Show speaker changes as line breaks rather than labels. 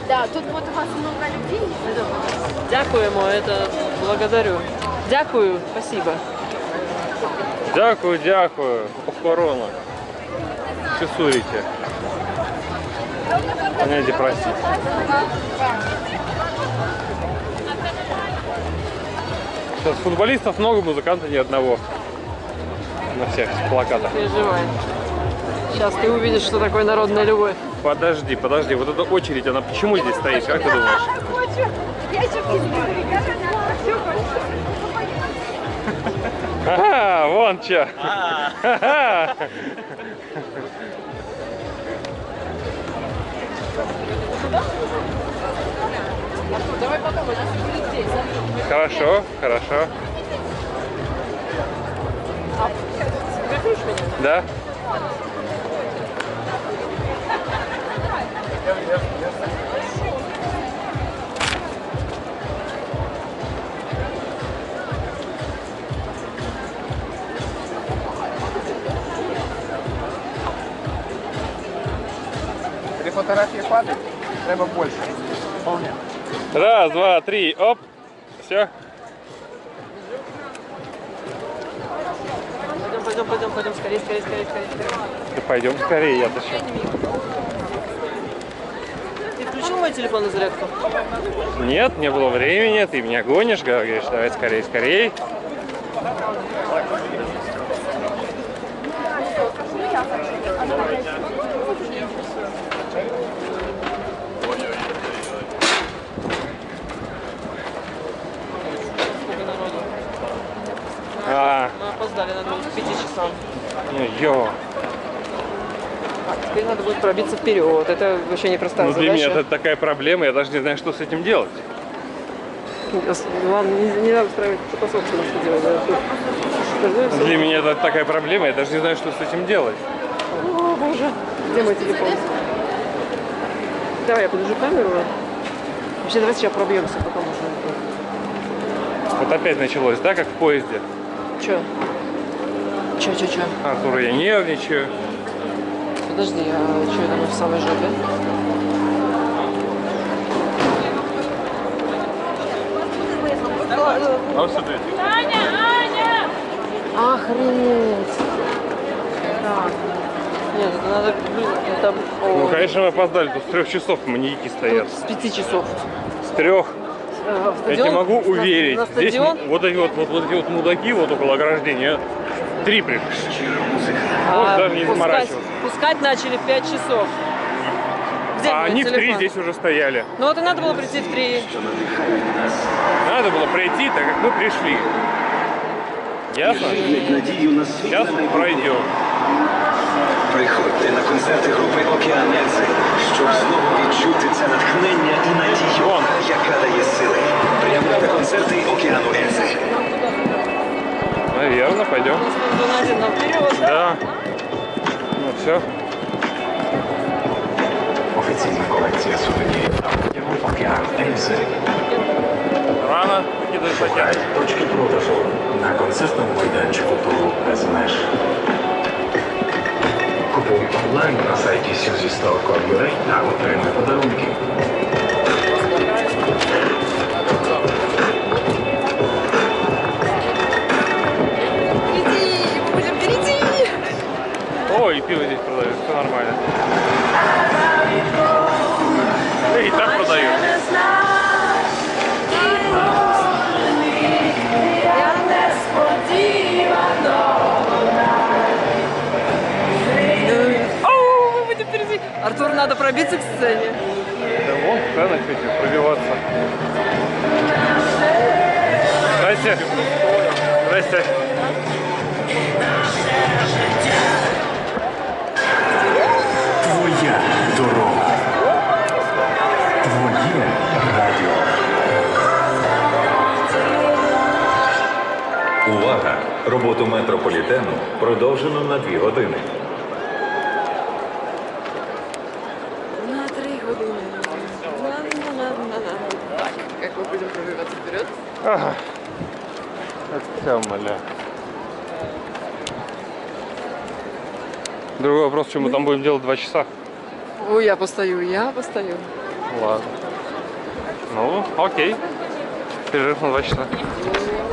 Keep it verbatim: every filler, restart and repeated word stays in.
Да, тут вот у вас много людей.
Дякуємо, это благодарю. Дякую, спасибо.
Дякую, дякую. Охорона. Чесуете. Поняйте, простите. Сейчас футболистов много, музыкантов ни одного. На всех плакатах.
Переживай. Сейчас ты увидишь, что такое народная любовь.
Подожди, подожди. Вот эта очередь, она почему здесь стоит? Как ты думаешь?
Я еще в
Ага, вон че.
Давай потом, у нас будет здесь.
Хорошо, хорошо.
Прикрутишь меня?
Да?
Три фотографии падают, треба больше. Вполне.
Раз, два, три, оп. Все.
Пойдем, пойдем, пойдем, пойдем, скорее, скорее, скорее, скорее.
Да пойдем скорее, я зачем?
Ты включил мой телефон на зарядку?
Нет, не было времени, ты меня гонишь, говоришь, давай скорее, скорее. А,
Мы опоздали, надо было к пяти часам.
ну ё.
Так, теперь надо будет пробиться вперед. Это вообще непростая
Ну для
задача.
меня это такая проблема, я даже не знаю, что с этим делать.
Ладно, не, не надо устраивать потасовку, что делать. Да, тут.
Для меня это такая проблема, я даже не знаю, что с этим делать.
О, боже. Где мой телефон? Давай я подержу камеру. Вообще, давай сейчас пробьемся, пока можно.
Вот опять началось, да, как в поезде?
Че? Че, че, че?
Артур, я нервничаю.
Подожди, а что это мы в самой жопе?
А смотрите.
Аня, Аня!
Охренеть! Так. Нет, это надо... Это...
Ну,
О,
конечно, мы опоздали, тут с трех часов маньяки стоят.
тут с пяти часов.
С трех.
Э,
Я тебе могу
на-
уверить,
На,
здесь
стадион?
вот эти вот, вот, вот эти вот мудаки вот около ограждения, три пришли. Вот
А,
даже не
пускать,
заморачиваться.
пускать начали в пять часов. Где
А
мой
они в три
телефон?
здесь уже стояли.
Ну вот и надо было прийти в три.
Надо было пройти, так как мы пришли. Ясно? Сейчас пройдем.
Приходьте на концерти групи «Океан Ельзи», щоб знову відчути це натхнення і надію,
Вон.
яка дає сили. Прямо на концерти «Океану Ельзи».
Наверное, пойдем.
Один один на вперед.
Да. Ну все.
Офіційна колекція сувенірів «Океан Ельзи».
Рано кидать хотят.
Точки продажу на концертному майданчику туру без меж. Купуй онлайн на сайті сюзі стор крапка ю а та отримай подарунки.
Впереди! Мы будем впереди!
О, и пиво здесь продают, все нормально. Да и так продают.
Оу, мы будем впереди. Артур, надо пробиться к сцене.
Да вон, сцена чуть пробиваться. Здрасте. Здрасте.
Твоя дорога. Твоє радіо. Увага! Роботу метрополітену продовжено на дві години.
На три години. На-на-на-на-на. Так, как мы будем пробиваться вперед?
Ага. Это все, моля. Другой вопрос, что мы там будем делать два часа.
Ой, я постою, я постою.
Ладно. Ну, окей. Перерыв на два часа.